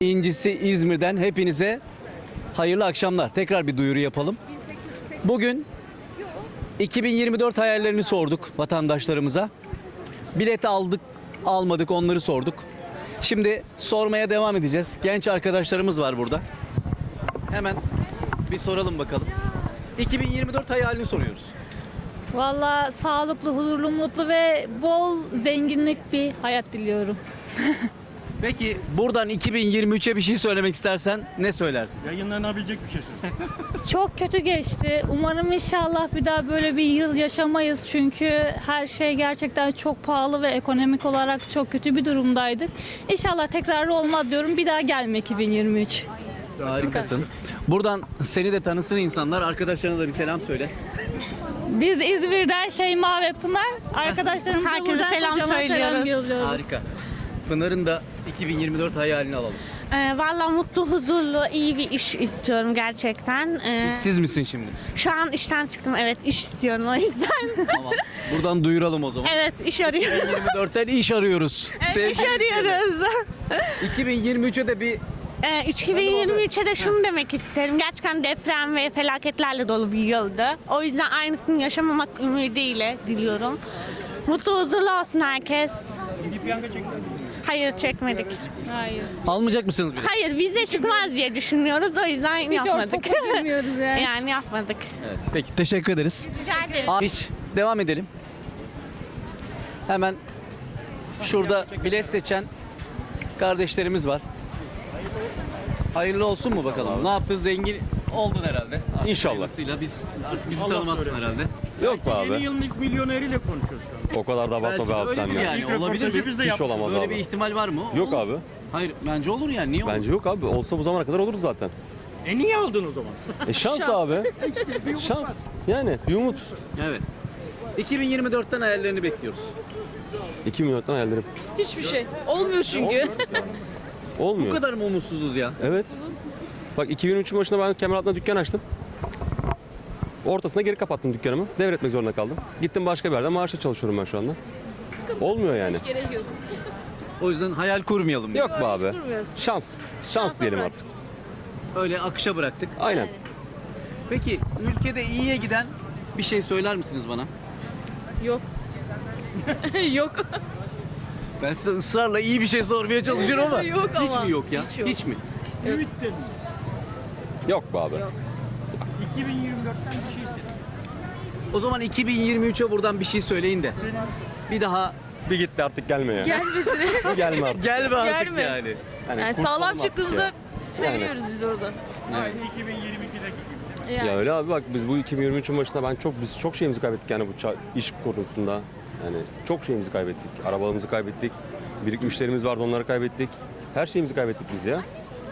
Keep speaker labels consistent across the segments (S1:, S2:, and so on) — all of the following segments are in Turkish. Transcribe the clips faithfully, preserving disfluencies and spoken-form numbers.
S1: İncisi İzmir'den hepinize hayırlı akşamlar. Tekrar bir duyuru yapalım. Bugün iki bin yirmi dört hayallerini sorduk vatandaşlarımıza. Bilet aldık, almadık onları sorduk. Şimdi sormaya devam edeceğiz. Genç arkadaşlarımız var burada. Hemen bir soralım bakalım. iki bin yirmi dört hayalini soruyoruz.
S2: Valla sağlıklı, huzurlu, mutlu ve bol zenginlik bir hayat diliyorum.
S1: Peki buradan iki bin yirmi üçe bir şey söylemek istersen ne söylersin?
S3: Yayınlanabilecek bir şey söyle.
S2: Çok kötü geçti. Umarım inşallah bir daha böyle bir yıl yaşamayız. Çünkü her şey gerçekten çok pahalı ve ekonomik olarak çok kötü bir durumdaydık. İnşallah tekrarı olmaz diyorum. Bir daha gelme iki bin yirmi üç.
S1: Harikasın. Buradan seni de tanısın insanlar. Arkadaşlarına da bir selam söyle.
S2: Biz İzmir'den Şeyma ve Pınar arkadaşlarımıza
S4: Herkese
S2: buradan
S4: selam
S2: kocaman
S4: söylüyoruz.
S2: yolluyoruz.
S1: Harika. Pınar'ın da iki bin yirmi dört hayalini alalım.
S4: Ee, Valla mutlu, huzurlu, iyi bir iş istiyorum gerçekten. Ee,
S1: Siz misin şimdi?
S4: şu an işten çıktım, evet, iş istiyorum o yüzden.
S1: Tamam. Buradan duyuralım o zaman.
S4: Evet, iş arıyorum.
S1: yirmi dörtten iş arıyoruz.
S4: iş
S1: Sevgili
S4: arıyoruz.
S1: iki bin yirmi üçe de bir
S4: Ee, iki bin yirmi üçe de şunu demek isterim. Gerçekten deprem ve felaketlerle dolu bir yıldı. O yüzden aynısını yaşamamak ümidiyle diliyorum. Mutlu, huzurlu olsun herkes. Hayır, çekmedik.
S2: Hayır.
S1: almayacak mısınız bile?
S4: Hayır, vize çıkmaz diye düşünüyoruz. O yüzden
S2: Hiç
S4: yapmadık.
S2: ortaokula girmiyoruz yani.
S4: Yani yapmadık.
S1: Evet. Peki teşekkür ederiz.
S4: Rica ederim.
S1: Aa, Hiç devam edelim. Hemen şurada bilet seçen kardeşlerimiz var. Hayırlı olsun mu bakalım? Ne yaptın? Zengin oldun herhalde. Artık
S5: İnşallah.
S1: hayırlısıyla biz artık bizi
S3: Allah
S1: tanımazsın
S3: söylesin.
S1: herhalde.
S5: Yok be
S3: Yeni
S5: abi.
S3: yılın ilk milyoneriyle konuşuyoruz şu an.
S5: O kadar da abartma be abi
S1: Belki
S5: sen
S1: öyledir
S5: ya.
S1: yani.
S3: İlk
S1: Olabilir
S3: röportajı
S1: mi?
S3: biz de
S5: Hiç
S3: yaptık.
S5: olamaz
S1: Böyle
S5: abi.
S1: bir ihtimal var mı?
S5: Yok
S1: Olur.
S5: abi.
S1: Hayır bence olur yani. Niye olur?
S5: Bence yok abi. Olsa bu zamana kadar olurdu zaten.
S3: E niye aldın o zaman?
S5: E şans, abi. Şans. Yani bir umut.
S1: Evet. iki bin yirmi dörtten hayallerini bekliyoruz.
S5: iki milyondan hayallerim.
S6: Hiçbir şey. Olmuyor çünkü.
S1: Bu
S5: Olmuyor.
S1: kadar mı umutsuzuz ya?
S5: Evet. Bak iki bin üçün başında ben Kemeraltı'nda dükkan açtım. Ortasında geri kapattım dükkanımı. Devretmek zorunda kaldım. Gittim başka bir yerde maaşla çalışıyorum ben şu anda. Olmuyor yani.
S6: Gerek yok.
S1: O yüzden hayal kurmayalım.
S5: Yok be abi.
S6: kurmuyoruz.
S5: Şans. Şans diyelim
S6: bırak.
S5: artık.
S1: Öyle akışa bıraktık.
S5: Aynen.
S1: Peki ülkede iyiye giden bir şey söyler misiniz bana?
S6: Yok. Yok.
S1: Ben size ısrarla iyi bir şey sormaya çalışıyorum ama
S6: Yok
S1: hiç
S6: ama.
S1: mi yok ya?
S6: Hiç yok.
S1: Hiç mi?
S3: Ümit dedim.
S5: Yok be abi.
S3: iki bin yirmi dörtten bir şey istedim.
S1: O zaman iki bin yirmi üçe buradan bir şey söyleyin de. Bir daha
S5: Bir gitti artık gelme ya.
S6: Gelmesine.
S5: Bir gelme artık.
S1: gelme artık
S6: Gelme.
S1: yani.
S5: Hani
S6: Yani
S5: kurtulalım
S6: sağlam
S5: artık
S6: çıktığımızda
S5: ya.
S6: seviniyoruz biz orada.
S3: Aynı iki bin yirmi ikideki gibi.
S6: Yani.
S5: Ya öyle abi, bak biz bu iki bin yirmi üçün başında ben çok biz çok şeyimizi kaybettik yani bu ça- iş konusunda. Yani çok şeyimizi kaybettik. Arabalarımızı kaybettik. Birikmişlerimiz vardı, onları kaybettik. Her şeyimizi kaybettik biz ya.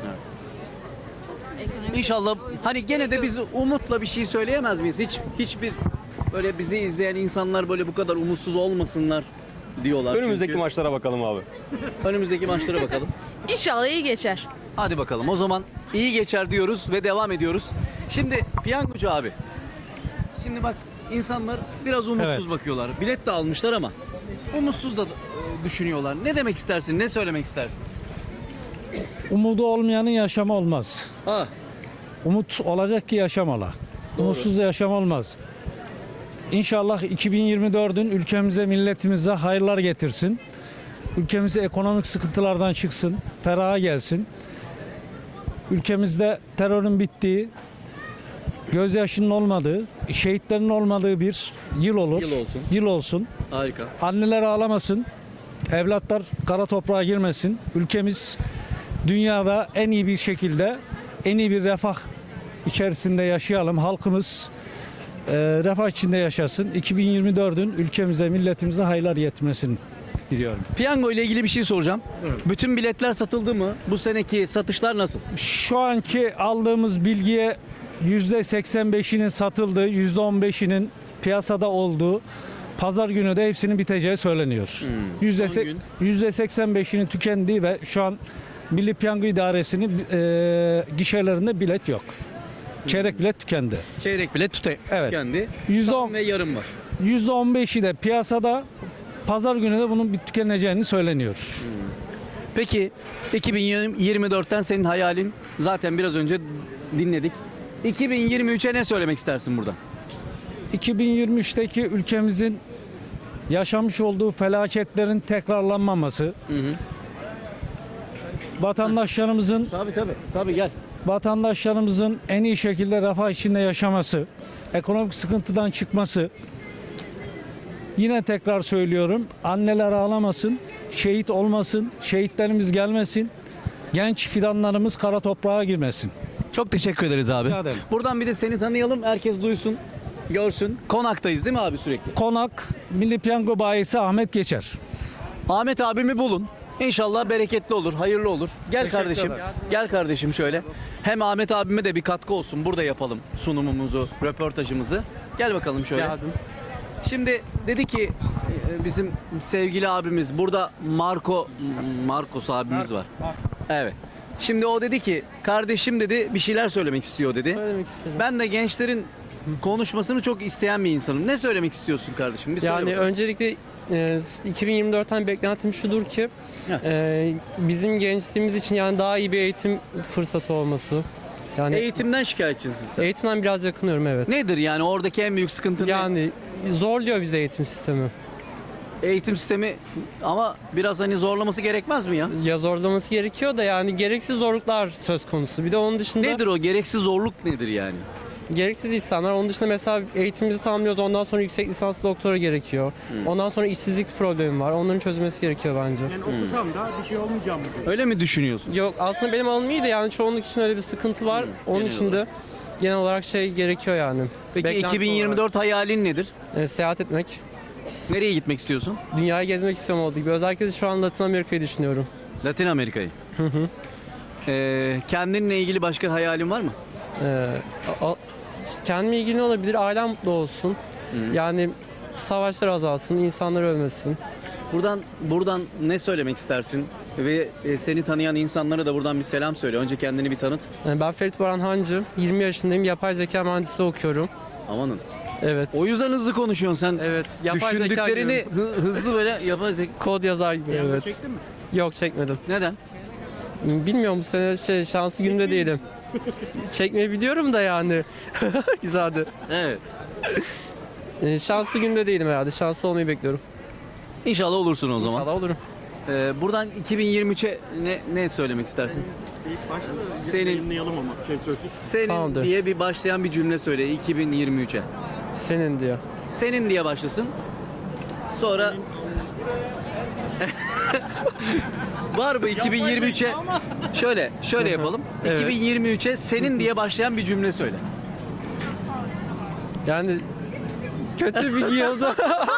S1: İnşallah hani gene de biz umutla bir şey söyleyemez miyiz? Hiç hiçbir böyle bizi izleyen insanlar böyle bu kadar umutsuz olmasınlar diyorlar.
S5: Önümüzdeki
S1: çünkü.
S5: maçlara bakalım abi.
S1: Önümüzdeki maçlara bakalım.
S6: İnşallah iyi geçer.
S1: Hadi bakalım. O zaman iyi geçer diyoruz ve devam ediyoruz. Şimdi piyangocu abi. Şimdi bak insanlar biraz umutsuz bakıyorlar. Bilet de almışlar ama umutsuz da e, düşünüyorlar. Ne demek istersin? Ne söylemek istersin?
S7: Umudu olmayanın yaşamı olmaz.
S1: Ha,
S7: Umut olacak ki yaşamalı. Umutsuz da yaşam olmaz. İnşallah iki bin yirmi dördün ülkemize, milletimize hayırlar getirsin. Ülkemize ekonomik sıkıntılardan çıksın, feraha gelsin. Ülkemizde terörün bittiği, gözyaşının olmadığı, şehitlerin olmadığı bir yıl olur.
S1: Yıl olsun.
S7: Yıl olsun.
S1: harika.
S7: Anneler ağlamasın, evlatlar kara toprağa girmesin. Ülkemiz dünyada en iyi bir şekilde, en iyi bir refah içerisinde yaşayalım. Halkımız e, refah içinde yaşasın. iki bin yirmi dördün ülkemize, milletimize hayırlar yetmesini diliyorum.
S1: Piyango ile ilgili bir şey soracağım. Bütün biletler satıldı mı? Bu seneki satışlar nasıl?
S7: Şu anki aldığımız bilgiye yüzde seksen beşinin satıldığı, yüzde on beşinin piyasada olduğu, pazar günü de hepsinin biteceği söyleniyor. Yüzde
S1: son
S7: se-
S1: gün.
S7: yüzde seksen beşinin tükendiği ve şu an Milli Piyango İdaresi'nin e, gişelerinde bilet yok. Çeyrek bilet tükendi.
S1: Çeyrek bilet tute
S7: Evet.
S1: kendi.
S7: Yüzde
S1: Tam
S7: on-
S1: ve yarım var.
S7: yüzde on beşi de piyasada, pazar günü de bunun bir tükeneceğini söyleniyor.
S1: Peki iki bin yirmi dörtten senin hayalin zaten biraz önce dinledik. iki bin yirmi üçe ne söylemek istersin burada?
S7: iki bin yirmi üçteki ülkemizin yaşamış olduğu felaketlerin tekrarlanmaması,
S1: Hı hı.
S7: vatandaşlarımızın
S1: Tabii tabii. Tabii gel.
S7: vatandaşlarımızın en iyi şekilde refah içinde yaşaması, ekonomik sıkıntıdan çıkması. Yine tekrar söylüyorum, anneler ağlamasın, şehit olmasın, şehitlerimiz gelmesin, genç fidanlarımız kara toprağa girmesin.
S1: Çok teşekkür ederiz abi.
S7: Rica ederim.
S1: Buradan bir de seni tanıyalım. Herkes duysun, görsün. Konaktayız değil mi abi sürekli?
S7: Konak Milli Piyango Bayisi Ahmet Geçer.
S1: Ahmet abimi bulun. İnşallah bereketli olur, hayırlı olur. Gel kardeşim. Gel kardeşim şöyle. Hem Ahmet abime de bir katkı olsun. Burada yapalım sunumumuzu, röportajımızı. Gel bakalım şöyle. Şimdi dedi ki e, bizim sevgili abimiz burada Marco Marcos abimiz var. Evet. Şimdi o dedi ki kardeşim dedi bir şeyler söylemek istiyor dedi.
S8: Söylemek istedim.
S1: Ben de gençlerin konuşmasını çok isteyen bir insanım. Ne söylemek istiyorsun kardeşim? Bir söyle
S8: Yani
S1: bakalım.
S8: öncelikle e, iki bin yirmi dörtten beklentim şudur ki
S1: Heh.
S8: e, bizim gençliğimiz için yani daha iyi bir eğitim fırsatı olması. Yani
S1: Eğitimden şikayetçisin sen.
S8: eğitimden biraz yakınıyorum evet.
S1: Nedir yani oradaki en büyük sıkıntı ne?
S8: Yani zorluyor bize eğitim sistemi.
S1: Eğitim sistemi ama biraz hani zorlaması gerekmez mi ya?
S8: Ya zorlaması gerekiyor da yani gereksiz zorluklar söz konusu. Bir de onun dışında
S1: Nedir o? Gereksiz zorluk nedir yani?
S8: gereksiz insanlar. Onun dışında mesela eğitimimizi tamamlıyoruz. Ondan sonra yüksek lisans doktora gerekiyor. Ondan sonra işsizlik problemi var. Onların çözülmesi gerekiyor bence.
S3: Yani okusam da bir şey olmayacak mı? diyor.
S1: Öyle mi düşünüyorsun?
S8: Yok aslında benim alanım iyi de yani çoğunluk için öyle bir sıkıntı var. Onun
S1: genel
S8: için de genel olarak şey gerekiyor yani.
S1: Peki
S8: Beklenti
S1: iki bin yirmi dört hayalin nedir?
S8: olarak, e, seyahat etmek.
S1: Nereye gitmek istiyorsun?
S8: Dünyayı gezmek istiyorum olduğu gibi. Özellikle de şu an Latin Amerika'yı düşünüyorum.
S1: Latin Amerika'yı. Ee, kendinle ilgili başka hayalin var mı?
S8: Ee, a- a- kendime ilgili ne olabilir? Ailem mutlu olsun. Yani savaşlar azalsın, insanlar ölmesin.
S1: Buradan buradan ne söylemek istersin? Ve e, seni tanıyan insanlara da buradan bir selam söyle. Önce kendini bir tanıt.
S8: Yani ben Ferit Baran Hancı, yirmi yaşındayım. Yapay zeka mühendisliği okuyorum.
S1: Amanın.
S8: Evet.
S1: O yüzden hızlı konuşuyorsun sen.
S8: Evet. Yapay zeka
S1: Düşündüklerini
S8: gibi.
S1: hı- hızlı böyle yapay zeka.
S8: Kod yazar gibi.
S3: Yalnız
S8: Evet.
S3: çektin mi?
S8: Yok çekmedim.
S1: Neden?
S8: Bilmiyorum bu sene şey şanslı günde değilim. Çekmeyi biliyorum da yani. Güzeldi.
S1: Evet.
S8: Ee, şanslı günde değilim herhalde. Şanslı olmayı bekliyorum.
S1: İnşallah olursun o zaman.
S8: İnşallah olurum.
S1: Ee, buradan iki bin yirmi üçe ne ne söylemek istersin?
S3: İlk başta da
S1: Senin-
S3: yayınlayalım ama şey söyleyeyim.
S1: Senin
S8: Tamamdır.
S1: diye bir başlayan bir cümle söyle iki bin yirmi üçe.
S8: Senin diyor.
S1: Senin diye başlasın. Sonra var mı iki bin yirmi üçe? Şöyle, şöyle yapalım.
S8: Evet.
S1: iki bin yirmi üçe senin diye başlayan bir cümle söyle.
S8: Yani kötü bir yılda.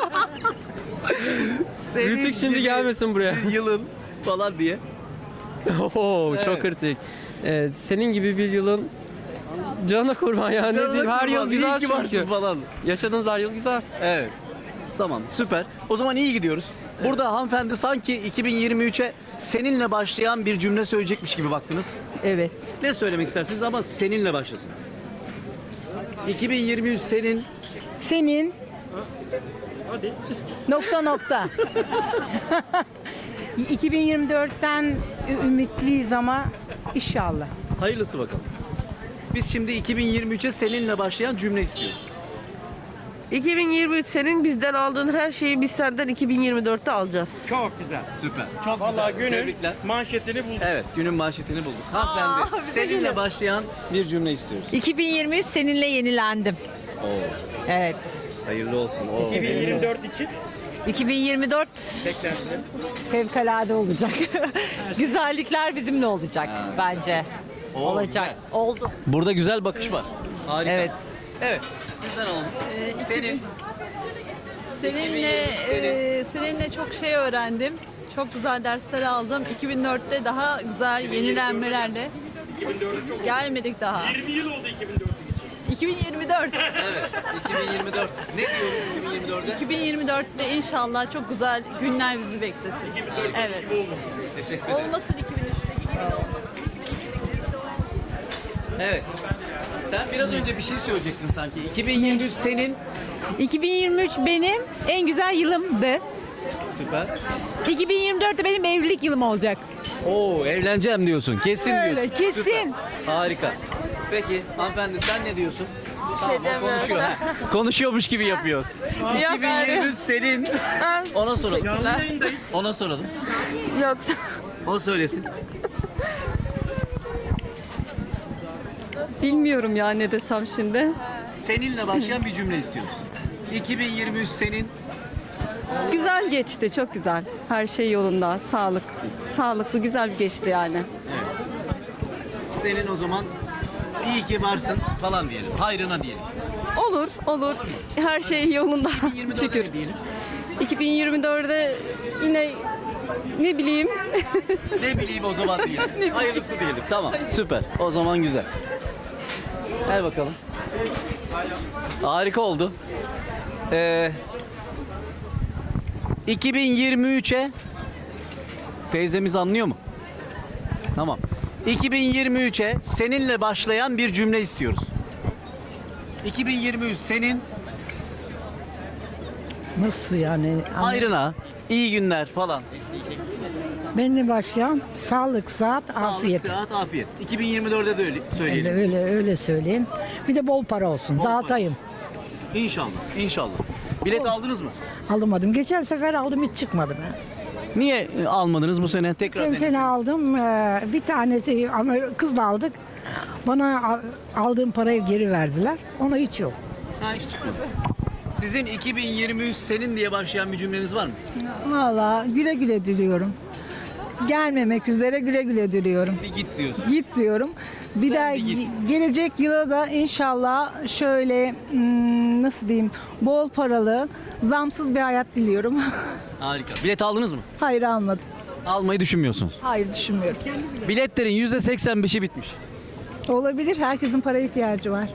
S1: Senin
S8: Rütük şimdi
S1: gibi
S8: gelmesin buraya.
S1: bir yılın falan diye.
S8: Oo,
S1: Evet.
S8: çok kritik. Ee, senin gibi bir yılın canına kurban ya ne diyeyim. Her yıl güzel
S1: İyi ki varsın
S8: çünkü.
S1: falan.
S8: Yaşadığımız her yıl güzel.
S1: Evet. Tamam, süper. O zaman iyi gidiyoruz. Burada hanımefendi sanki iki bin yirmi üçe seninle başlayan bir cümle söyleyecekmiş gibi baktınız.
S9: Evet.
S1: Ne söylemek istersiniz ama seninle başlasın. iki bin yirmi üç senin
S9: Senin
S3: Hadi.
S9: nokta nokta. iki bin yirmi dörtten ü- ümitliyiz ama inşallah.
S1: hayırlısı bakalım. Biz şimdi iki bin yirmi üçe seninle başlayan cümle istiyoruz.
S10: iki bin yirmi üç senin bizden aldığın her şeyi biz senden iki bin yirmi dörtte alacağız.
S3: Çok güzel.
S1: Süper. Çok
S3: Vallahi
S1: güzel.
S3: günün
S1: Tebrikler.
S3: manşetini bulduk.
S1: Evet, günün manşetini bulduk. Hanımefendi, seninle başlayan bir cümle istiyoruz.
S11: iki bin yirmi üç seninle yenilendim.
S1: Oo,
S11: Evet.
S1: hayırlı olsun. Oo.
S3: iki bin yirmi dört için
S11: iki bin yirmi dört
S3: beklentiler.
S11: fevkalade olacak. Güzellikler bizimle olacak bence.
S1: Oo,
S11: Olacak. Oldu.
S1: Burada güzel bakış var. Harika.
S11: Evet.
S1: Evet. Sizden alalım. Senin.
S12: Seninle e, seninle çok şey öğrendim. Çok güzel dersler aldım. iki bin dörtte daha güzel yenilenmelerle gelmedik daha.
S3: yirmi yıl oldu iki bin dört için.
S12: iki bin yirmi dört.
S1: Evet. iki bin yirmi dört. Ne diyoruz iki bin yirmi dörde?
S12: iki bin yirmi dörtte inşallah çok güzel günler bizi beklesin. Evet.
S1: Teşekkür ederim.
S12: Olmasın iki bin üçteki gibi de olmasın.
S1: Evet. Sen biraz önce bir şey söyleyecektin sanki. iki bin yirmi üç senin.
S11: iki bin yirmi üç benim en güzel yılımdı.
S1: Süper.
S11: iki bin yirmi dört de benim evlilik yılım olacak.
S1: Oo, evleneceğim diyorsun. Kesin
S11: Öyle,
S1: diyorsun.
S11: kesin.
S1: Süper. Harika. Peki hanımefendi sen ne diyorsun?
S6: Bir şey
S1: Tamam, o konuşuyor. ha. Konuşuyormuş gibi yapıyoruz. iki bin yirmi üç senin. Ona soralım. Ona soralım.
S6: Yoksa
S1: O söylesin.
S11: Bilmiyorum ya ne desem şimdi.
S1: Seninle başlayan bir cümle istiyoruz. iki bin yirmi üç senin.
S11: Güzel geçti, çok güzel. Her şey yolunda, sağlık, sağlıklı, güzel geçti yani.
S1: Senin o zaman iyi ki varsın falan diyelim. Hayrına diyelim.
S11: Olur, olur. Her şey yolunda.
S1: yirmi dörde
S11: Şükür.
S1: ne diyelim.
S11: iki bin yirmi dörde yine ne bileyim.
S1: Ne bileyim o zaman diyelim. Hayırlısı diyelim. Tamam. Süper. O zaman güzel. Gel bakalım. Harika oldu. Ee, iki bin yirmi üçe teyzemiz anlıyor mu? Tamam. iki bin yirmi üçe seninle başlayan bir cümle istiyoruz. iki bin yirmi üç senin
S9: Nasıl yani?
S1: hayrına, iyi günler falan.
S9: Benimle başlayan sağlık, sıhhat, afiyet.
S1: Sağlık, sıhhat, afiyet. iki bin yirmi dörde de öyle
S9: Öyle,
S1: söyleyelim.
S9: öyle öyle söyleyeyim. Bir de bol para olsun.
S1: Bol
S9: Dağıtayım.
S1: İnşallah, inşallah. Bilet aldınız mı?
S9: Alamadım. Geçen sefer aldım hiç çıkmadı be.
S1: Niye e, almadınız bu sene? Tekrar
S9: Geçen
S1: denesiniz.
S9: sene aldım. ee, Bir tanesi ama kızla aldık. Bana a- aldığım parayı geri verdiler. Ona hiç yok.
S1: Ha, hiç çıkmadı. Sizin iki bin yirmi üç senin diye başlayan bir cümleniz var mı?
S9: Valla güle güle diliyorum. Gelmemek üzere güle güle diliyorum.
S1: Bir git diyorsun.
S9: Git diyorum. Bir
S1: Sen
S9: daha
S1: bir git.
S9: gelecek yıla da inşallah şöyle hmm, nasıl diyeyim bol paralı, zamsız bir hayat diliyorum.
S1: Harika. Bilet aldınız mı?
S9: Hayır almadım.
S1: Almayı düşünmüyorsunuz.
S9: Hayır düşünmüyorum.
S1: Biletlerin yüzde seksen beşi bitmiş.
S9: Olabilir. Herkesin paraya ihtiyacı var.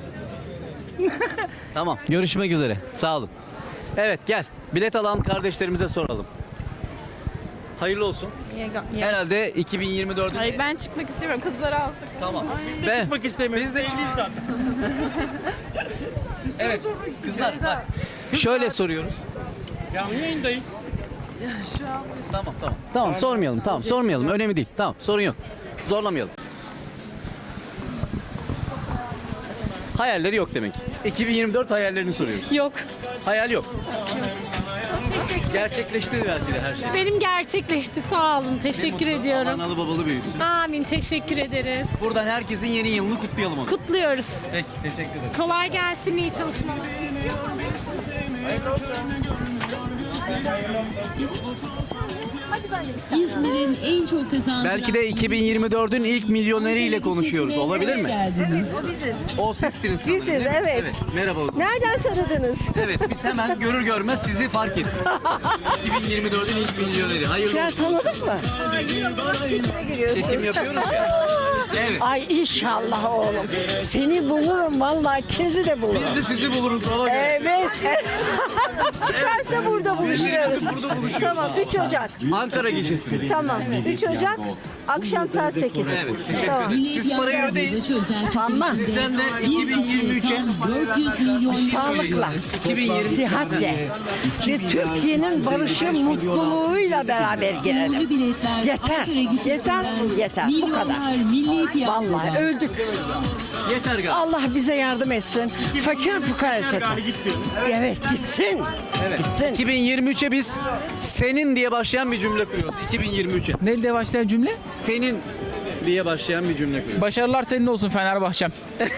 S1: Tamam. Görüşmek üzere. Sağ olun. Evet gel. Bilet alan kardeşlerimize soralım. Hayırlı olsun. Herhalde iki bin yirmi dördün...
S6: Hayır, ben çıkmak istemiyorum. Kızları aldık.
S1: Tamam.
S3: Biz de çıkmak istemiyoruz.
S1: Biz de
S3: Evliyiz zaten.
S1: Evet. Kızlar bak. Şöyle soruyoruz.
S3: Canlı yayındayız.
S1: Tamam tamam. Tamam sormayalım. Tamam sormayalım. Önemli değil. Tamam sorun yok. Zorlamayalım. Hayalleri yok demek. iki bin yirmi dört hayallerini soruyoruz.
S2: Yok.
S1: Hayal yok. Gerçekleşti belki de her şey.
S2: Benim gerçekleşti. Sağ olun. Teşekkür
S1: Ne mutlu.
S2: ediyorum.
S1: Analı babalı büyüksün.
S2: Amin. Teşekkür ederiz.
S1: Buradan herkesin yeni yılını kutlayalım onu.
S2: Kutluyoruz.
S1: Peki teşekkür ederim.
S2: Kolay gelsin. İyi çalışmalar.
S13: İzmir'in en çok kazandıran...
S1: Belki de iki bin yirmi dördün ilk milyoneriyle konuşuyoruz. Olabilir mi? O sizsiniz. sanırım,
S11: Biziz,
S1: değil mi?
S11: evet.
S1: Merhaba. o zaman.
S11: Nereden tanıdınız?
S1: Evet biz hemen görür görmez sizi fark ettik. iki bin yirmi dördün ilk milyoneri. Hayırlı olsun.
S11: Tanıdık mı?
S1: Çekim yapıyoruz ya. Evet.
S11: Ay inşallah oğlum. Seni bulurum vallahi ikinizi de bulurum.
S1: Biz de sizi buluruz. Ona göre.
S11: Evet. Çıkarsa burada buluşuyoruz.
S1: Burada buluşuyoruz.
S11: Tamam üç Ocak.
S1: Ankara gecesi.
S11: Tamam üç Ocak akşam saat sekiz.
S1: Evet teşekkür ederim. Siz parayı ödeyin.
S11: Tamam.
S1: Sizden de iki bin yirmi üçe
S13: dört yüz milyon
S11: Sağlıkla,
S1: iki bin yirmi
S11: sıhhatle ve Türkiye'nin barışı, mutluluğuyla beraber girelim. Yeter, yeter, yeter. Bu kadar. Vallahi öldük.
S1: yeter galiba.
S11: Allah bize yardım etsin. Fakir fukara etsin. Evet gitsin.
S1: Evet.
S11: Gitsin.
S1: iki bin yirmi üçe biz senin diye başlayan bir cümle kuruyoruz. iki bin yirmi üçe.
S8: Ne diye başlayan cümle?
S1: Senin diye başlayan bir cümle kuruyoruz.
S8: Başarılar senin olsun Fenerbahçem.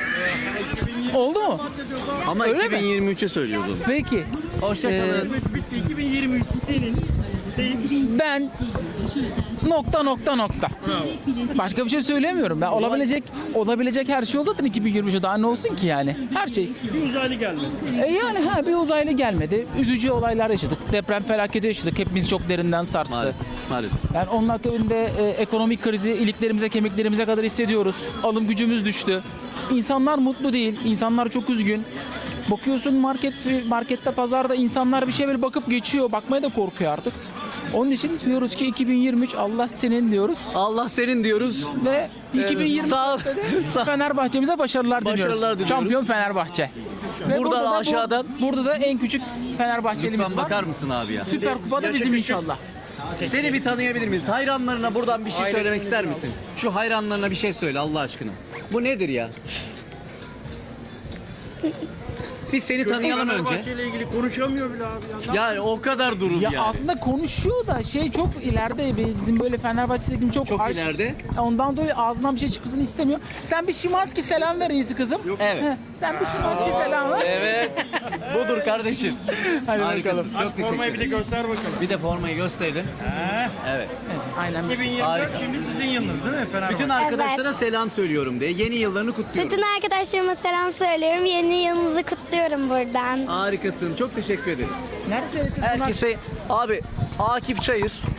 S8: Oldu mu?
S1: Ama
S8: Öyle
S1: iki bin yirmi üçe söylüyoruz onu.
S8: Peki.
S1: Hoşçakalın.
S3: Bitti. iki bin yirmi üç senin.
S8: Ben nokta nokta nokta. Başka bir şey söylemiyorum. Ben olabilecek olabilecek her şey oldu zaten iki bin yirmi üçe daha ne olsun ki yani? Her şey.
S3: Bir uzaylı gelmedi.
S8: E yani ha bir uzaylı gelmedi. Üzücü olaylar yaşadık. Deprem felaketi yaşadık. Hepimiz çok derinden sarstı.
S1: Maalesef. Maalesef.
S8: Yani onun akabinde e, ekonomik krizi iliklerimize, kemiklerimize kadar hissediyoruz. Alım gücümüz düştü. İnsanlar mutlu değil. İnsanlar çok üzgün. Bakıyorsun market markette, pazarda insanlar bir şey böyle bakıp geçiyor. Bakmaya da korkuyor artık. Onun için diyoruz ki iki bin yirmi üç Allah senin diyoruz.
S1: Allah senin diyoruz.
S8: Ve iki bin yirmi
S1: Sağ ol. Sağ-
S8: Fenerbahçe'mize başarılar,
S1: Başarılar
S8: diliyoruz.
S1: diliyoruz.
S8: Şampiyon Fenerbahçe. Ve
S1: Buradan
S8: burada da bu-
S1: aşağıdan-
S8: burada da en küçük Fenerbahçelimiz
S1: Lütfen
S8: var.
S1: bakar mısın abi ya?
S8: Süper Kupa da bizim inşallah.
S1: Seni bir tanıyabilir miyiz? Hayranlarına buradan bir şey söylemek ister misin? Şu hayranlarına bir şey söyle Allah aşkına. Bu nedir ya? Biz seni tanıyalım önce.
S3: Fenerbahçe ile ilgili konuşamıyor bile abi ya.
S1: Ya o kadar durum
S8: Ya
S1: yani.
S8: aslında konuşuyor da şey çok ileride bizim böyle Fenerbahçe'deki çok,
S1: Çok
S8: aş-
S1: ileride.
S8: Ondan dolayı ağzından bir şey çıkmasını istemiyor. Sen bir Şimanski selam ver iyisi kızım.
S1: Evet.
S8: Heh, sen bir Şimanski selam ver.
S1: Evet. Budur kardeşim.
S8: Hadi
S1: Harikasın.
S8: bakalım.
S1: Çok teşekkür
S3: Formayı bir de
S1: ederim.
S3: göster bakalım.
S1: Bir de formayı gösterin. Evet.
S8: Aynen.
S3: iki bin yirmi
S1: Harika.
S3: dört şimdi sizin yılınız değil mi Fenerbahçe?
S1: Bütün arkadaşlara
S13: Evet.
S1: selam söylüyorum diye. Yeni yıllarını kutluyorum.
S13: Bütün arkadaşlarıma selam söylüyorum. Yeni yılınızı kutluyorum buradan.
S1: Harikasın. Çok teşekkür ederiz.
S8: Nerede?
S1: Herkese abi Akif Çayır